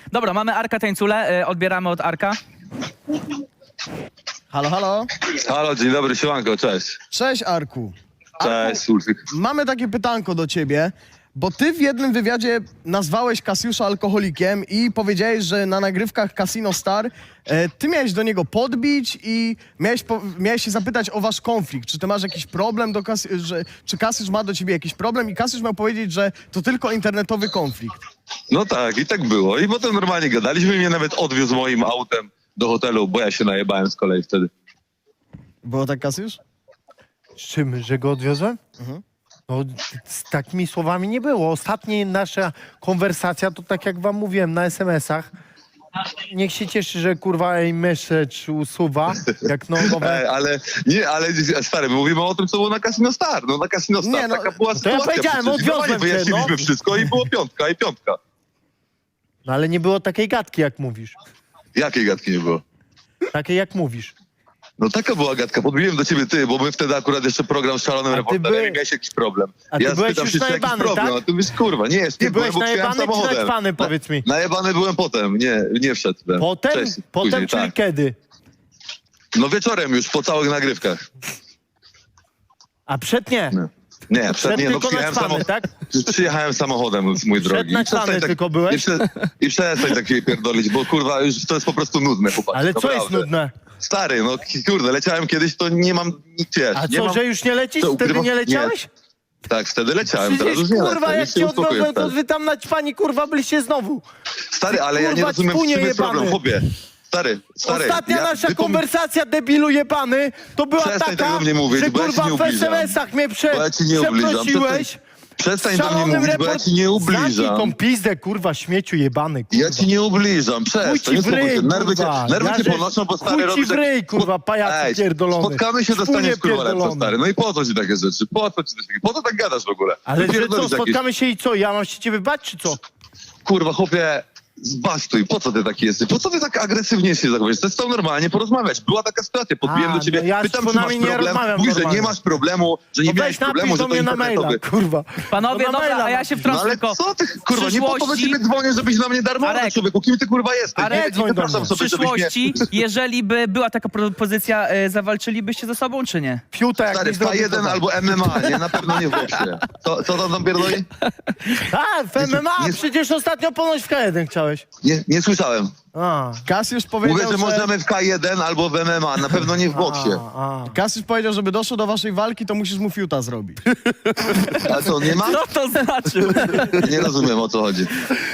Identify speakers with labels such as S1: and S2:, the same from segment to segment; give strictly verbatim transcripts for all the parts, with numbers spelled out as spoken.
S1: Dobra, mamy Arka Tańcule, y, odbieramy od Arka.
S2: Halo, halo.
S3: Halo, dzień dobry, siemanko, cześć.
S2: Cześć, Arku.
S3: Cześć, Ulfik.
S2: Mamy takie pytanko do ciebie, bo ty w jednym wywiadzie nazwałeś Kasiusza alkoholikiem i powiedziałeś, że na nagrywkach Casino Star e, ty miałeś do niego podbić i miałeś, po, miałeś się zapytać o wasz konflikt. Czy ty masz jakiś problem do Kas że czy Kasiusz ma do ciebie jakiś problem i Kasiusz miał powiedzieć, że to tylko internetowy konflikt.
S3: No tak, i tak było. I potem normalnie gadaliśmy i mnie nawet odwiózł moim autem do hotelu, bo ja się najebałem z kolei wtedy.
S2: Było tak, Kasiusz?
S4: Z czym, że go odwiozłem?
S2: Mhm.
S4: No, z takimi słowami nie było. Ostatnia nasza konwersacja to tak jak wam mówiłem na es em esach. Niech się cieszy, że kurwa jej message usuwa, jak no nowe...
S3: Ej, ale nie, ale stary, my mówimy o tym, co było na Casino Star. No na Casino Star
S2: Nie, no,
S3: taka była
S4: to ja
S3: sytuacja.
S4: powiedziałem,
S3: przecież.
S4: odwiozłem
S3: Normalnie
S4: cię,
S3: wyjaśniliśmy
S4: no.
S3: wszystko i było piątka, i piątka.
S4: No ale nie było takiej gadki, jak mówisz.
S3: Jakiej gadki nie było?
S4: Takiej, jak mówisz.
S3: No taka była gadka, podbiłem do ciebie ty, bo my wtedy akurat jeszcze program z szalonym
S4: A ty
S3: reporterem
S4: by-
S3: i miałeś jakiś problem.
S4: A ty
S3: ja
S4: byłeś
S3: spytam
S4: już
S3: się, czy jakiś
S4: najebany,
S3: problem,
S4: tak?
S3: a ty mówisz, kurwa, nie jest,
S4: Ty
S3: nie
S4: byłeś
S3: byłem, bo
S4: najebany
S3: przyjechałem
S4: czy
S3: samochodem.
S4: naćpany, powiedz mi?
S3: Najebany byłem potem, nie, nie wszedłem.
S4: Potem?
S3: Cześć,
S4: Potem,
S3: później,
S4: czyli
S3: tak.
S4: kiedy?
S3: No wieczorem już, po całych nagrywkach.
S4: A przed nie.
S3: No. Nie, przed
S4: Przed
S3: nie, no
S4: tylko
S3: przyjechałem,
S4: naćpany,
S3: samo...
S4: tak?
S3: przyjechałem samochodem, mój
S4: Przed
S3: drogi. I
S4: naćpany
S3: przestań tak-
S4: tylko byłeś?
S3: I, prze... I przestań takie pierdolić, bo kurwa, już to jest po prostu nudne, chłopak.
S4: Ale co jest
S3: naprawdę.
S4: nudne?
S3: Stary, no kurde, leciałem kiedyś, to nie mam nic, wiesz.
S4: A
S3: nie
S4: co,
S3: mam...
S4: że już nie lecisz?
S3: Co,
S4: Wtedy
S3: ukrywa-
S4: nie leciałeś?
S3: Nie. Tak, wtedy leciałem, teraz
S4: Przecież
S3: już nie
S4: kurwa,
S3: lecę,
S4: jak
S3: już się
S4: cię
S3: uspokoję
S4: odwiozłem, to
S3: wtedy.
S4: wy tam naćpani kurwa byliście znowu.
S3: Stary, ale ja nie
S4: kurwa,
S3: rozumiem, w czym
S4: ćpunie
S3: jest problem,
S4: jebany.
S3: chłopie. Stary, stary.
S4: Ostatnia
S3: ja,
S4: nasza
S3: wypom-
S4: konwersacja, debilu jebany, to była
S3: Przestań
S4: taka,
S3: tak do mnie mówić,
S4: że
S3: bo ja ci
S4: kurwa
S3: nie
S4: w es em
S3: ubliżam.
S4: esach mnie prze,
S3: Bo ja ci nie ubliżam.
S4: przeprosiłeś.
S3: Przestań do mnie
S4: Szalonym
S3: mówić, bo ja
S4: report-
S3: ci nie
S4: Zamknij
S3: ubliżam.
S4: tą pizdę, kurwa, śmieciu jebany, kurwa.
S3: Ja ci nie ubliżam,
S4: Chuj
S3: przestań,
S4: ci
S3: nie
S4: w ryj,
S3: spokój się. Nerwy cię,
S4: kurwa.
S3: nerwy
S4: Ja
S3: cię
S4: że-
S3: ponoszą, bo stary
S4: chuj ci
S3: robisz...
S4: w ryj,
S3: jak-
S4: kurwa, pajacu
S3: Ej,
S4: pierdolony.
S3: spotkamy się,
S4: Szpunie
S3: dostaniesz kurwa lepsze,
S4: pierdolony.
S3: stary. No i po co ci takie rzeczy? Po co ci coś takiego? Po co tak gadasz w ogóle?
S4: Ale że co,
S3: Wypierdolisz jakieś-
S4: spotkamy się i co, ja mam się ciebie bać, czy co?
S3: Kurwa, chłopie, zbastuj, po co ty taki jesteś? Po co ty tak agresywnie się zachowujesz? To jest to normalnie porozmawiać. Była taka sytuacja, podbiłem
S4: A,
S3: do ciebie,
S4: no ja z
S3: pytam, czy masz
S4: członami nie
S3: problem,
S4: rozmawiam
S3: mówisz, że
S4: normalnie.
S3: nie masz problemu, że nie
S4: No
S3: miałeś
S4: weź
S3: problemu,
S4: napisz
S3: że
S4: do
S3: to
S4: mnie na maila,
S3: internetowy.
S4: kurwa.
S1: Panowie,
S4: No na
S1: dobra,
S4: maila
S1: a ja
S4: napisz.
S1: się
S3: No
S1: wtrącę
S3: ale
S1: tylko.
S3: co ty, kurwa, nie po to do
S1: przyszłości-
S3: ciebie dzwonię, żebyś na mnie darmo
S1: Arek.
S3: człowieku. Kim ty kurwa jesteś?
S1: Arek,
S3: nie,
S4: dzwoń
S3: nie
S4: do
S3: wypraszam
S4: mnie.
S1: W
S3: sobie, żebyś mnie...
S1: przyszłości, jeżeli by była taka propozycja, y, zawalczylibyście ze sobą, czy nie?
S4: Fiuta jak
S3: Stary,
S4: mi
S3: K
S4: zrobi,
S3: jeden
S4: to
S3: albo M M A, nie? Na pewno nie w boksie. Co, co tam tam pierdoli?
S4: A, w em em a,
S3: nie-
S4: przecież ostatnio ponoć w K jeden chciałeś.
S3: Nie, nie słyszałem.
S4: A,
S2: Kasiusz powiedział,
S3: Mówię, że
S2: że...
S3: możemy w K jeden albo w M M A, na pewno nie w boksie.
S4: a, a.
S2: Kasiusz powiedział, żeby doszło do waszej walki, to musisz mu fiuta zrobić.
S3: A co, nie ma?
S1: Co to znaczy?
S3: Nie rozumiem, o co chodzi.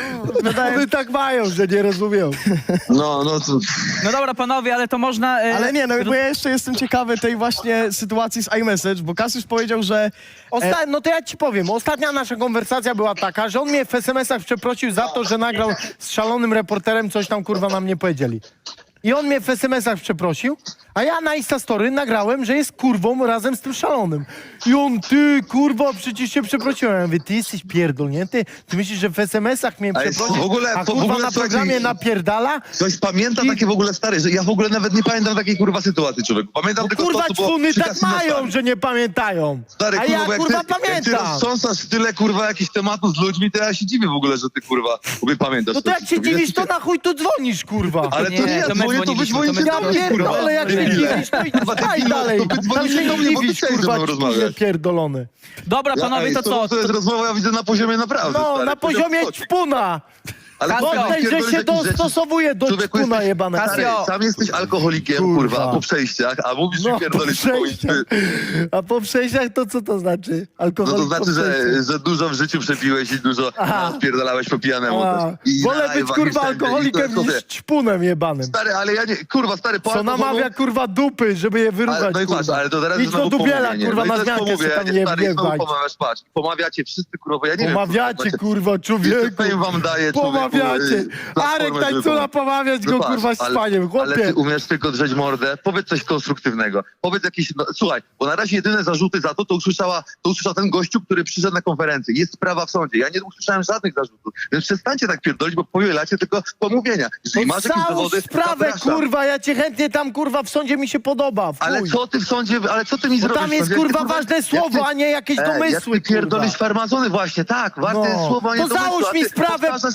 S4: One tak mają, że nie rozumiem.
S3: No, no, to...
S1: No dobra, panowie, ale to można... y,
S2: Ale nie, no bo ja jeszcze jestem ciekawy tej właśnie sytuacji z iMessage, bo Kasiusz powiedział, że...
S4: Osta- no to ja ci powiem, ostatnia nasza konwersacja była taka, że on mnie w es em esach przeprosił za to, że nagrał z szalonym reporterem, coś tam kurwa nam nie powiedzieli. I on mnie w es em esach przeprosił, a ja na Instastory nagrałem, że jest kurwą razem z tym szalonym. I on, ty kurwa, przecież cię przeprosiłem. Ja mówię, ty jesteś pierdolnięty? Ty myślisz, że w es em esach mnie
S3: Ale
S4: przeprosił,
S3: w ogóle-
S4: a
S3: w
S4: kurwa
S3: ogóle
S4: na
S3: co
S4: programie
S3: ci-
S4: napierdala?
S3: Ktoś pamięta
S4: I-
S3: takie w ogóle stare, że ja w ogóle nawet nie pamiętam takiej kurwa sytuacji, człowieku. Pamiętam
S4: No
S3: tylko
S4: kurwa
S3: to, co było
S4: czwuny
S3: przy
S4: tak
S3: Casino
S4: mają,
S3: Star.
S4: że nie pamiętają.
S3: Stary,
S4: A
S3: kurwa,
S4: ja
S3: bo jak
S4: kurwa
S3: ty, jak ty
S4: pamiętam.
S3: roztrząsasz tyle kurwa jakichś tematów z ludźmi, to ja się dziwię w ogóle, że ty kurwa sobie pamiętasz.
S4: No to jak się dziwisz, to na chuj tu dzwonisz, kurwa.
S3: Ale to
S1: Nie,
S3: nie ja
S1: to my
S3: dzwonię, to wy
S1: dzwoniliśmy,
S3: dzwonicie
S1: to my
S3: do mnie,
S4: Ja
S3: kurwa.
S4: pierdolę, jak się
S3: Debile.
S4: dziwisz, to i
S3: Kurwa,
S4: daj
S3: debilu,
S4: dalej.
S3: to wy
S4: Tam
S3: dzwonicie
S4: się
S3: do mnie,
S4: nie
S3: bo ty
S4: dziwisz,
S3: chciałeś ze
S4: kurwa,
S3: mną
S4: ćpunie
S3: rozmawiać.
S4: pierdolony.
S1: Dobra,
S3: Ja,
S1: panowie,
S3: ej,
S1: to co?
S3: To jest rozmowa, ja widzę na poziomie naprawdę,
S4: No,
S3: stary.
S4: na poziomie
S3: Poziom-
S4: ćpuna.
S3: Ale
S1: Kasio,
S3: kurwa,
S4: Potem, że
S3: pierdolisz
S4: się
S3: jakieś rzeczy.
S4: dostosowuje do
S3: Człowieku,
S4: ćpuna
S3: jesteś-
S4: jebanego.
S3: Stary,
S1: Kasio.
S3: sam jesteś alkoholikiem,
S4: Kurwa.
S3: kurwa, po przejściach, a mówisz,
S4: No,
S3: że
S4: po
S3: pierdolisz
S4: przejściach.
S3: swoim...
S4: A po przejściach to co to znaczy?
S3: No
S4: Alkohol
S3: to znaczy,
S4: po
S3: że,
S4: przejściach.
S3: że dużo w życiu przepiłeś i dużo
S4: Aha.
S3: spierdalałeś po pijanemu
S4: A,
S3: też. I
S4: wolę
S3: na
S4: być
S3: live'ach i
S4: kurwa
S3: wszędzie. I to
S4: alkoholikiem
S3: jest,
S4: niż ćpunem jebanym.
S3: Stary, ale ja nie... Kurwa, stary, po
S4: Co
S3: alkoholu-
S4: namawia kurwa dupy, żeby je
S3: Ale,
S4: wyruchać,
S3: no i patrz,
S4: kurwa.
S3: ale to teraz
S4: Idź
S3: jest znowu
S4: do dubiela,
S3: pomówienie.
S4: kurwa,
S3: no i
S4: na
S3: to jest
S4: zmiankę sobie
S3: pomówienie,
S4: tam nie
S3: stary, i znowu
S4: wjebać.
S3: pomawiasz, patrz. Pomawiacie wszyscy, kurwa, ja nie
S4: Pomawiacie,
S3: wiem.
S4: kurwa, człowieku.
S3: Fame wam daje, człowieku,
S4: Pomawiacie.
S3: y, platformę,
S4: Arek
S3: żeby
S4: Tańcula
S3: pomóc.
S4: pomawiać go,
S3: No patrz,
S4: kurwa, z
S3: ale-
S4: spaniem,
S3: Ale ty
S4: chłopie.
S3: umiesz tylko drzeć mordę. Powiedz coś konstruktywnego. Powiedz jakieś... No, słuchaj, bo na razie jedyne zarzuty za to, to usłyszała, to usłyszał ten gościu, który przyszedł na konferencję. Jest sprawa w sądzie. Ja nie usłyszałem żadnych zarzutów. Więc przestańcie tak pierdolić, bo powielacie tylko pomówienia. Jeżeli
S4: No
S3: masz jakieś
S4: całą
S3: dowody,
S4: sprawę,
S3: zapraszam.
S4: kurwa, ja cię chętnie tam, kurwa, w sądzie mi się podoba, w
S3: Ale
S4: chuj.
S3: co ty w sądzie, ale co ty mi
S4: Bo
S3: zrobisz?
S4: tam jest,
S3: Jak ty,
S4: kurwa, ważne
S3: jak
S4: słowo,
S3: ty-
S4: a nie jakieś
S3: Ej,
S4: domysły,
S3: jak ty pierdolisz
S4: kurwa.
S3: farmazony właśnie, tak, ważne
S4: No.
S3: jest słowo, a nie
S4: To
S3: domysły,
S4: załóż
S3: a
S4: mi
S3: ty
S4: sprawę,
S3: powtarzasz to, co
S4: pajacu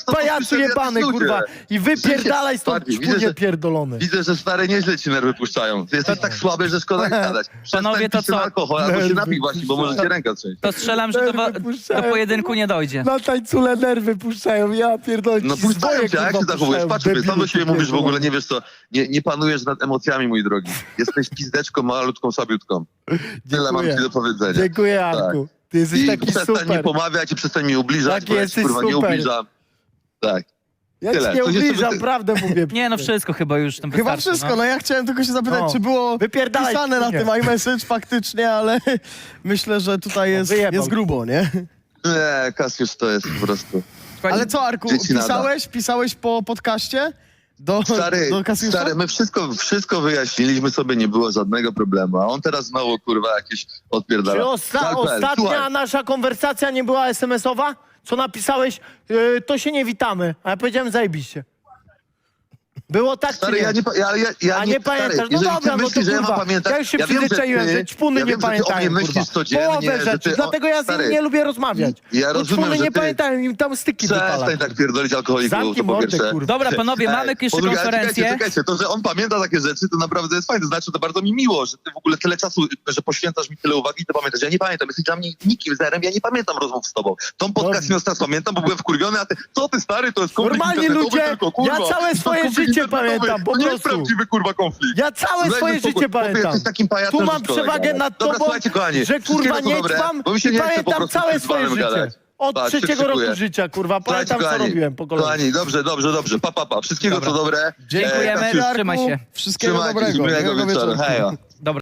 S4: końcu
S3: to jacyś
S4: jebany,
S3: ludzie.
S4: kurwa. I wypierdalaj stąd,
S3: Bardziej, widzę,
S4: czpunie
S3: że-
S4: pierdolony.
S3: Widzę, że stary nieźle ci nerwy puszczają. Ty jesteś tak słaby, że szkoda gadać.
S1: Panowie, to
S3: Przestań pić ten
S1: co?
S3: alkohol, albo się
S4: Nerwy
S3: napij właśnie, bo może cię ręka trzeć.
S1: To strzelam, że do, wa-
S4: Nerwy puszczają,
S1: do pojedynku nie dojdzie.
S4: Na tańcule nerwy puszczają, ja pierdolę.
S3: No
S4: ci
S3: puszczają
S4: zwoje,
S3: cię, a jak
S4: kurwa,
S3: się zachowujesz?
S4: puszczają,
S3: Patrz sobie, sam do
S4: debilu
S3: siebie
S4: ty
S3: mówisz w ogóle,
S4: pierdolony.
S3: nie wiesz co, nie, nie panujesz nad emocjami, mój drogi. Jesteś pizdeczką malutką, słabiutką. Tyle mam
S4: Dziękuję.
S3: ci do powiedzenia.
S4: Dziękuję, Arku. Ty jesteś
S3: I
S4: taki
S3: przestań mi
S4: super.
S3: pomawiać i przestań mi ubliżać,
S4: Taki
S3: bo ja ci,
S4: jesteś
S3: kurwa nie
S4: super.
S3: ubliżam. Tak.
S4: Ja
S3: Tyle.
S4: ci nie
S3: To jeszcze
S4: ubliżam,
S3: by ty-
S4: prawdę mówię.
S1: Nie, no wszystko chyba już tym
S2: Chyba
S1: wystarczy,
S2: wszystko, no ja chciałem tylko się zapytać,
S4: No.
S2: czy było
S4: Wypierdalaj,
S2: pisane na
S4: czpunie.
S2: tym iMessage faktycznie, ale myślę, że tutaj jest,
S4: wyjebał.
S2: jest grubo, nie?
S3: Nie, Kasiusz to jest po prostu...
S2: Ale co, Arku,
S3: Dzieci nada.
S2: pisałeś, pisałeś po podcaście do,
S3: Stary,
S2: do Kasiusza?
S3: stary, my wszystko, wszystko wyjaśniliśmy sobie, nie było żadnego problemu, a on teraz znowu, kurwa, jakieś odpierdala.
S4: Czy osta
S3: Galpel,
S4: ostatnia
S3: słuchaj,
S4: nasza konwersacja nie była es em es owa? Co napisałeś? Yy, to się nie witamy. A ja powiedziałem zajebiście. Było tak,
S3: Stary,
S4: czy nie?
S3: ja nie, pa- ja, ja, ja
S4: A nie
S3: stary,
S4: pamiętasz? No
S3: jeżeli
S4: dobra,
S3: ty
S4: no
S3: myślisz,
S4: to
S3: że ja mam
S4: kurwa.
S3: pamiętać...
S4: Ja już się
S3: wiem, że
S4: przyzwyczaiłem,
S3: ty-
S4: że ćpuny
S3: ja
S4: nie
S3: wiem, że ty o
S4: pamiętają,
S3: mnie
S4: kurwa.
S3: myślisz codziennie,
S4: Połowę
S3: że
S4: rzeczy,
S3: ty...
S4: dlatego ja z
S3: stary,
S4: nim nie lubię rozmawiać.
S3: Ja
S4: Bo
S3: rozumiem,
S4: ćpuny
S3: że
S4: nie
S3: ty-
S4: pamiętają, im tam styki wypala.
S3: Przestań tak pierdolić alkoholiku,
S4: Zamknij
S3: to po
S4: mordę,
S3: pierwsze.
S4: kurwa.
S1: Dobra, panowie, mamy
S3: Ej,
S1: jeszcze
S3: po drugie, ale
S1: konferencję.
S3: Czekajcie, czekajcie, to, że on pamięta takie rzeczy, to naprawdę jest fajne. Znaczy, to bardzo mi miło, że ty w ogóle tyle czasu, że poświęcasz mi tyle uwagi i to pamiętasz. Ja nie pamiętam, jesteś dla mnie nikim, zerem, ja nie pamiętam rozmów z tobą. Tą podcast
S4: No.
S3: nie teraz pamiętam, bo byłem wkurwiony, a ty, co ty stary, to jest konflikt
S4: Normalni
S3: internetowy
S4: ludzie,
S3: tylko, kurwa.
S4: ja całe
S3: To
S4: swoje
S3: konflikt
S4: życie
S3: internetowy.
S4: pamiętam, po
S3: To nie jest
S4: prostu.
S3: prawdziwy, kurwa, konflikt.
S4: Ja całe
S3: Dajmy
S4: swoje
S3: spokój.
S4: życie
S3: Chłopie,
S4: pamiętam.
S3: jesteś takim pajacem,
S4: Tu mam
S3: że szkoda
S4: przewagę
S3: gadać.
S4: nad
S3: Dobra,
S4: tobą,
S3: słuchajcie, kochani,
S4: że kurwa
S3: wszystkiego co
S4: nie
S3: dobre,
S4: ćpam
S3: bo mi się
S4: i
S3: nie chce po
S4: pamiętam
S3: prostu
S4: całe
S3: z
S4: swoje
S3: panem
S4: życie.
S3: gadać.
S4: Od
S3: Patrz, się
S4: trzeciego roku
S3: szykuję.
S4: życia, kurwa.
S3: Słuchajcie,
S4: Pamiętam, co
S3: kochani,
S4: robiłem po kolei.
S3: Kochani, dobrze, dobrze, dobrze. Pa, pa, pa. Wszystkiego
S1: Dobra.
S3: co dobre.
S1: Dziękujemy,
S3: Kasiusz,
S1: trzymaj się.
S2: Wszystkiego
S3: Trzymajcie się,
S2: dobrego.
S3: miłego wieczoru. Hejo.
S1: Dobra.